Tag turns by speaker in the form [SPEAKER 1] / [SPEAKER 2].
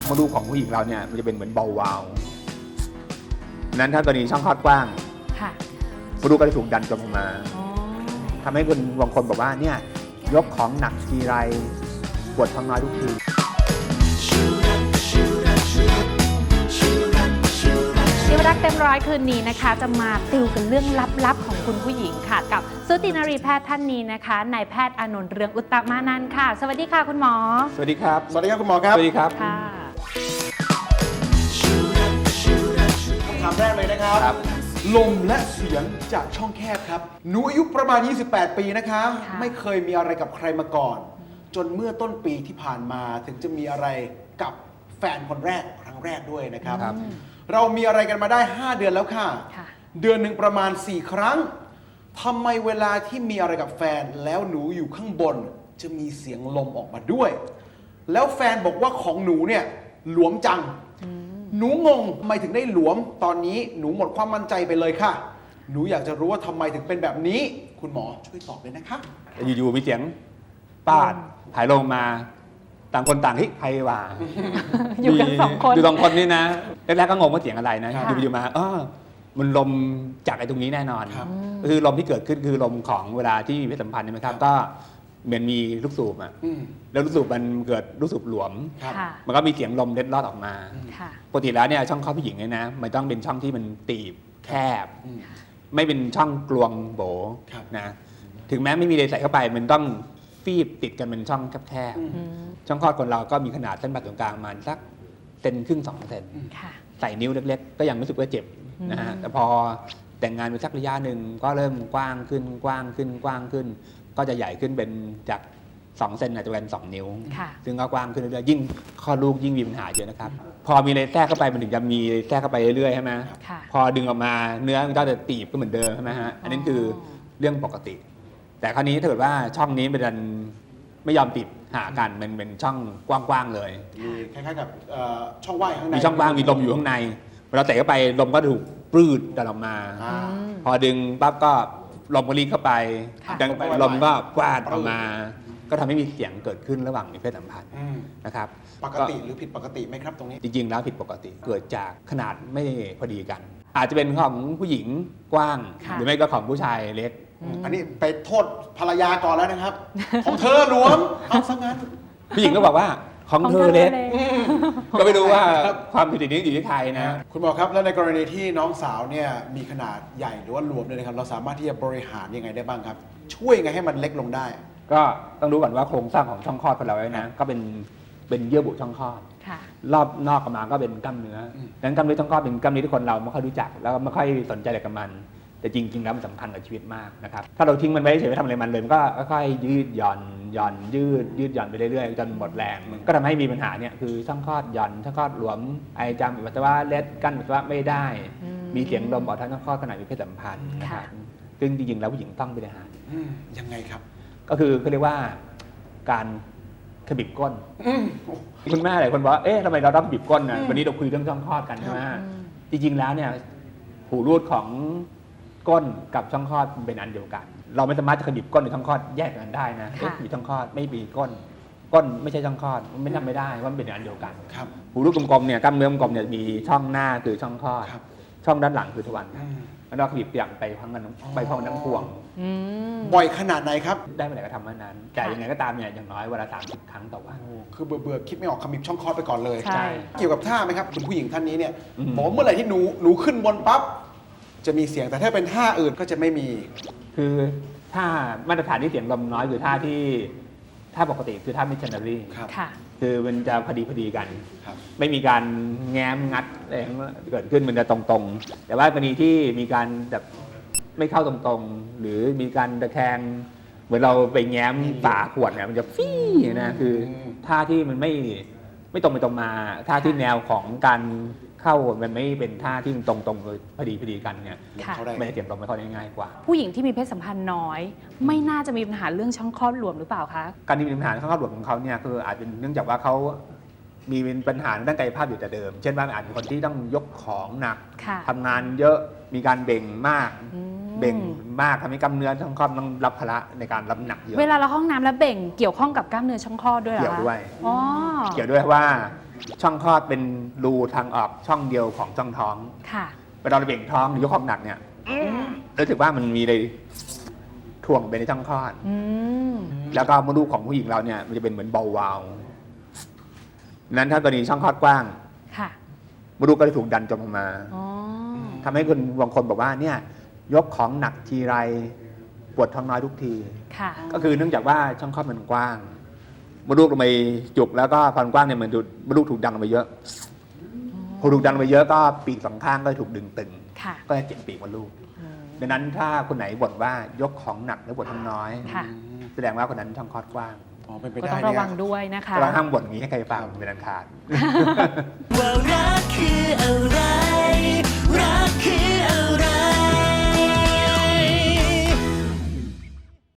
[SPEAKER 1] มดลูกของผู้หญิงเราเนี่ยมันจะเป็นเหมือนเบาๆวาวนั้นถ้ากรณีช่องคลอดกว้าง
[SPEAKER 2] ค่ะ
[SPEAKER 1] มดลูกก็จะถูกดันจมลงมา
[SPEAKER 2] อ๋อ
[SPEAKER 1] ทำให้คนบางคนบอกว่าเนี่ยยกของหนักทีไรปวดท้องน้อยทุกที
[SPEAKER 2] ชีวรักษ์เต็มร้อยคืนนี้นะคะ จะมาติวกันเรื่องลับๆของคุณผู้หญิงค่ะ กับสูตินรีแพทย์ท่านนี้นะคะนายแพทย์อานนท์เรืองอุตตมานันท์ค่ะ สวัสดีค่ะคุณหมอ
[SPEAKER 1] สวัสดีครับ
[SPEAKER 3] สวัสดีครับคุณหมอครับ
[SPEAKER 1] สวัสดีครับ
[SPEAKER 2] ค่ะ
[SPEAKER 3] คำถามแรกเลยนะครับ
[SPEAKER 1] ครับ
[SPEAKER 3] ลมและเสียงจากช่องแคบครับหนูอายุประมาณ 28 ปีนะคะ
[SPEAKER 2] ค่ะ
[SPEAKER 3] ไม่เคยมีอะไรกับใครมาก่อน จนเมื่อต้นปีที่ผ่านมาถึงจะมีอะไรกับแฟนคนแรกครั้งแรกด้วยนะครับ
[SPEAKER 1] ครับ
[SPEAKER 3] เรามีอะไรกันมาได้ 5 เดือนแล้วค่ะ
[SPEAKER 2] ค่ะ
[SPEAKER 3] เดือนหนึ่งประมาณ 4 ครั้งทำไมเวลาที่มีอะไรกับแฟนแล้วหนูอยู่ข้างบน จะมีเสียงลมออกมาด้วย แล้วแฟนบอกว่าของหนูเนี่ยหลวมจัง หนูงงทำไมถึงได้หลวม ตอนนี้หนูหมดความมั่นใจไปเลยค่ะ หนูอยากจะรู้ว่าทำไมถึงเป็นแบบนี้ คุณหมอช่วยตอบเลยนะคะ
[SPEAKER 1] อยู่ๆมีเสียงปาดถ่ายลงมา ต่างคนต่างเฮ้ยใครว่า
[SPEAKER 2] อยู่กันสองคน
[SPEAKER 1] อยู่สองคนนี่นะแรกๆก็งงว่าเสียงอะไรนะ
[SPEAKER 3] ค่ะ
[SPEAKER 1] อยู่ๆมามันลมจากไอ้ตรงนี้แน่นอน
[SPEAKER 3] ครับ
[SPEAKER 1] ก็คือลมที่เกิดขึ้นคือลมของเวลาที่มีเพศสัมพันธ์ใช่ไหมครับ ก็เหมือนมีลูกสูบอ่ะ
[SPEAKER 3] อืม
[SPEAKER 1] แล้วลูกสูบมันเกิดลูกสูบหลวม
[SPEAKER 3] ครับ
[SPEAKER 2] ค่ะ
[SPEAKER 1] มันก็มีเสียงลมเล็ดลอดออกมา
[SPEAKER 2] ค่ะ
[SPEAKER 1] ปกติแล้วเนี่ยช่องคลอดผู้หญิงเนี่ยนะมันต้องเป็นช่องที่มันตีบแคบ
[SPEAKER 3] อืม
[SPEAKER 1] ไม่เป็นช่องกลวงโบ
[SPEAKER 3] ครับ
[SPEAKER 1] นะถึงแม้ไม่มีอะไรใส่เข้าไปมันต้องฟีบติดกันเป็นช่องแคบ
[SPEAKER 3] อืม
[SPEAKER 2] อืม
[SPEAKER 1] ๆช่องคลอดคนเราก็มีขนาดเส้นผ่าศูนย์กลางประมาณสักเซนครึ่ง2 เซน
[SPEAKER 2] ค่ะ
[SPEAKER 1] ใส่นิ้วเล็กๆ ก็ยังรู้สึกว่าเจ็บนะฮะ
[SPEAKER 2] อืม
[SPEAKER 1] แต่พอแต่งงานไปสักระยะหนึ่งก็เริ่มกว้างขึ้นกว้างขึ้นกว้างขึ้น ก็จะใหญ่ขึ้นเป็นจาก2 เซนอาจจะเป็น2 นิ้ว
[SPEAKER 2] ค่ะ
[SPEAKER 1] ซึ่งก็กว้างขึ้นเรื่อยๆยิ่งคลอดลูกยิ่งมีปัญหาเยอะนะครับ พอมีอะไรแทรกเข้าไปมันถึงจะมีแทรกเข้าไปเรื่อยๆใช่ไหม
[SPEAKER 2] ค่ะ
[SPEAKER 1] พอดึงออกมาเนื้อมันก็จะตีบก็เหมือนเดิมใช่ไหมฮะอันนี้คือเรื่องปกติ แต่คราวนี้ถ้าเกิดว่าช่องนี้มันไม่ยอมติดหากันมันเป็นช่องกว้างๆเลย
[SPEAKER 3] มีคล้ายๆกับช่องว่างข้างใน
[SPEAKER 1] มีช่องว่างมีลมอยู่ข้างในเวลาเตะเข้าไปลมก็ถูกปลื้ดดันออกมา
[SPEAKER 3] อ่า
[SPEAKER 2] อืม
[SPEAKER 1] พอดึงปั๊บก็ลมก็รีเข้าไป
[SPEAKER 2] ค่ะ
[SPEAKER 1] ดังลมก็กวาดออกมา ก็ทำให้มีเสียงเกิดขึ้นระหว่างมีเพศสัมพันธ์
[SPEAKER 3] อืม
[SPEAKER 1] นะครับ
[SPEAKER 3] ปกติหรือผิดปกติไหมครับตรงนี้
[SPEAKER 1] จริงๆแล้วผิดปกติเกิดจากขนาดไม่พอดีกัน อาจจะเป็นของผู้หญิงกว้าง
[SPEAKER 2] ค่ะ
[SPEAKER 1] หรือไม่ก็ของผู้ชายเล็ก
[SPEAKER 3] อันนี้ไปโทษภรรยาก่อนแล้วนะครับ ของเธอหลวมเอาซะงั้น
[SPEAKER 1] ผู้หญิงก็บอกว่าของเธอเล็ก ก็ไม่รู้ว่าความผิดนี้อยู่ที่ใครนะ
[SPEAKER 3] คุณหมอครับแล้วในกรณีที่น้องสาวเนี่ยมีขนาดใหญ่หรือว่าหลวมเนี่ยนะครับเราสามารถที่จะบริหารยังไงได้บ้างครับ ช่วยยังไงให้มันเล็กลงได้
[SPEAKER 1] ก็ต้องรู้ก่อนว่าโครงสร้างของช่องคลอดของเราเนี่ยนะก็เป็นเยื่อบุช่องคลอด
[SPEAKER 2] ค่ะ
[SPEAKER 1] รอบนอกออกมาก็เป็นกล้ามเนื้ออ
[SPEAKER 3] ม
[SPEAKER 1] ดังนั้นกล้ามเนื้อช่องคลอดเป็นกล้ามเนื้อที่คนเราไม่ค่อยรู้จัก แล้วก็ไม่ค่อยสนใจอะไรกับมัน แต่จริงๆแล้วมันสำคัญกับชีวิตมากนะครับ ถ้าเราทิ้งมันไว้เฉยไม่ทำอะไรมันเลยมันก็ค่อยๆยืดหย่อนยืดหย่อนไปเรื่อยๆจนหมดแรง ก็ทำให้มีปัญหาเนี่ยคือช่องคลอดหย่อนช่องคลอดหลวมไอจามปัสสาวะเล็ดกั้นปัสสาวะไม่ได้
[SPEAKER 2] อืม
[SPEAKER 1] มีเสียงลมออกทางช่องคลอดขณะมีเพศสัมพันธ์นะครับ ซึ่งจริงๆแล้วผู้หญิงต้องบริหาร
[SPEAKER 3] ยังไงครับ
[SPEAKER 1] ก็คือเขาเรียกว่าการขบิบก้น
[SPEAKER 3] อืม
[SPEAKER 1] คุณแม่หลายคนบอกว่าเอ๊ะทำไมเราต้องขบิบก้นนะ
[SPEAKER 2] อืม
[SPEAKER 1] วันนี้เราคุยเรื่องช่องคลอดกันใช่ไหม
[SPEAKER 2] อืม
[SPEAKER 1] จริงๆแล้วเนี่ยหูรูดของก้นกับช่องคลอดเป็นอันเดียวกัน เราไม่สามารถจะขบิบก้นหรือช่องคลอดแยกกันได้นะเอ๊ะมีช่องคลอดไม่มีก้น ก้นไม่ใช่ช่องคลอดมันไม่ทำไม่ได้ว่ามันเป็นอันเดียวกัน
[SPEAKER 3] ครับ
[SPEAKER 1] หูรูดกลมๆเนี่ยกล้ามเนื้อกลมๆเนี่ยมีช่องหน้าคือช่องคลอด
[SPEAKER 3] ครับ
[SPEAKER 1] ช่องด้านหลังคือทวาร
[SPEAKER 3] อืม
[SPEAKER 1] แล้วเราขบิบอย่างไปพร้อมกันไปพร้อมกันทั้งพวง
[SPEAKER 2] อืม
[SPEAKER 3] บ่อยขนาดไหนครับ
[SPEAKER 1] ได้เมื่อไหร่ก็ทำเมื่อนั้น แต่
[SPEAKER 2] ค่ะ
[SPEAKER 1] ยังไงก็ตามเนี่ยอย่างน้อยวันละ30 ครั้งต่อวัน
[SPEAKER 3] คือเบื่อๆคิดไม่ออกขมิบช่องคลอดไปก่อนเลย
[SPEAKER 2] ใช่
[SPEAKER 3] เกี่ยวกับท่าไหมครับคุณผู้หญิงท่านนี้เนี่ย
[SPEAKER 1] อืม
[SPEAKER 3] บอกว่าเมื่อไหร่ที่หนูขึ้นบนปั๊บจะมีเสียงแต่ถ้าเป็นท่าอื่นก็จะไม่มี
[SPEAKER 1] คือถ้ามาตรฐานที่เสียงลมน้อยคือท่าปกติคือท่ามิชชันนารี
[SPEAKER 3] ครับ
[SPEAKER 2] ค่ะ
[SPEAKER 1] คือมันจะพอดีกัน
[SPEAKER 3] ครับ
[SPEAKER 1] ไม่มีการแง้มงัดอะไรเกิดขึ้นมันจะตรงๆ แต่ว่ากรณีที่มีการแบบไม่เข้าตรงๆ หรือมีการตะแคงเหมือนเราไปแง้มฝาขวดเนี่ยมันจะฟี่นะคือท่าที่มันไม่ตรงไปตรงมาท่าที่แนวของการเข้ามันไม่เป็นท่าที่มันตรงๆเลยพอดีกันเนี่ย
[SPEAKER 2] ค่ะ
[SPEAKER 3] เขาได้
[SPEAKER 1] มันจะเสียงลมไม่ค่อยง่ายกว่า
[SPEAKER 2] ผู้หญิงที่มีเพศสัมพันธ์น้อย ไม่น่าจะมีปัญหาเรื่องช่องคลอดหลวมหรือเปล่าคะ
[SPEAKER 1] การที่มีปัญหาข้างครอบครัวของเขาเนี่ยคืออาจเป็นเนื่องจากว่าเขามีปัญหาด้านกายภาพอยู่แต่เดิม เช่นว่าอาจเป็นคนที่ต้องยกของหนัก
[SPEAKER 2] ค่ะ
[SPEAKER 1] ทำงานเยอะมีการเบ่งมาก
[SPEAKER 2] อืม
[SPEAKER 1] เบ่งมากทำให้กล้ามเนื้อช่องคลอดต้องรับภาระในการรับหนักเยอะ
[SPEAKER 2] เวลาเราห้องน้ำแล้วเบ่งเกี่ยวข้องกับกล้ามเนื้อช่องคลอดด้วยเหรอ
[SPEAKER 1] เกี่ยว
[SPEAKER 2] คะ
[SPEAKER 1] ด้วย
[SPEAKER 2] อ๋อ
[SPEAKER 1] เกี่ยวด้วยว่าช่องคลอดเป็นรูทางออกช่องเดียวของช่องท้อง
[SPEAKER 2] ค่ะ
[SPEAKER 1] เวลาเราเบ่งท้องหรือยกของหนักเนี่ยรู้สึกว่ามันมีเลยถ่วงไปในช่องคลอด
[SPEAKER 2] อืม
[SPEAKER 1] แล้วก็มดลูกของผู้หญิงเราเนี่ยมันจะเป็นเหมือนเบาวาวนั้นถ้ากรณีช่องคลอดกว้าง
[SPEAKER 2] ค่ะ
[SPEAKER 1] มดลูกก็จะถูกดันจมลงมา
[SPEAKER 2] อ๋อ
[SPEAKER 1] ทำให้คนบางคนบอกว่าเนี่ยยกของหนักทีไรปวดท้องน้อยทุกที
[SPEAKER 2] ค่ะ
[SPEAKER 1] ก็คือเนื่องจากว่าช่องคลอดมันกว้างมดลูกลงไปจุกแล้วก็ความกว้างเนี่ยเหมือนมดลูกถูกดันลงไปเยอะพอถูกดันลงไปเยอะก็ปีกสองข้างก็ถูกดึงตึง
[SPEAKER 2] ค่ะ
[SPEAKER 1] ก็จะเจ็บปีกมดลูก
[SPEAKER 2] อืม
[SPEAKER 1] ดังนั้นถ้าคนไหนบ่นว่ายกของหนักแล้วปวดท้องน้อย
[SPEAKER 2] ค่ะ
[SPEAKER 1] แสดงว่าคนนั้นช่องคลอดกว้าง
[SPEAKER 3] อ๋อเป็นไป
[SPEAKER 2] ก็
[SPEAKER 3] ได้
[SPEAKER 2] ต้อง
[SPEAKER 3] เนี่
[SPEAKER 2] ระวัง
[SPEAKER 3] ย
[SPEAKER 2] ด้วยนะคะ
[SPEAKER 1] เราห้ามบ่นอย่างนี้ให้ใครฟังเป็นอันขาด
[SPEAKER 4] ว่ารักคืออะไร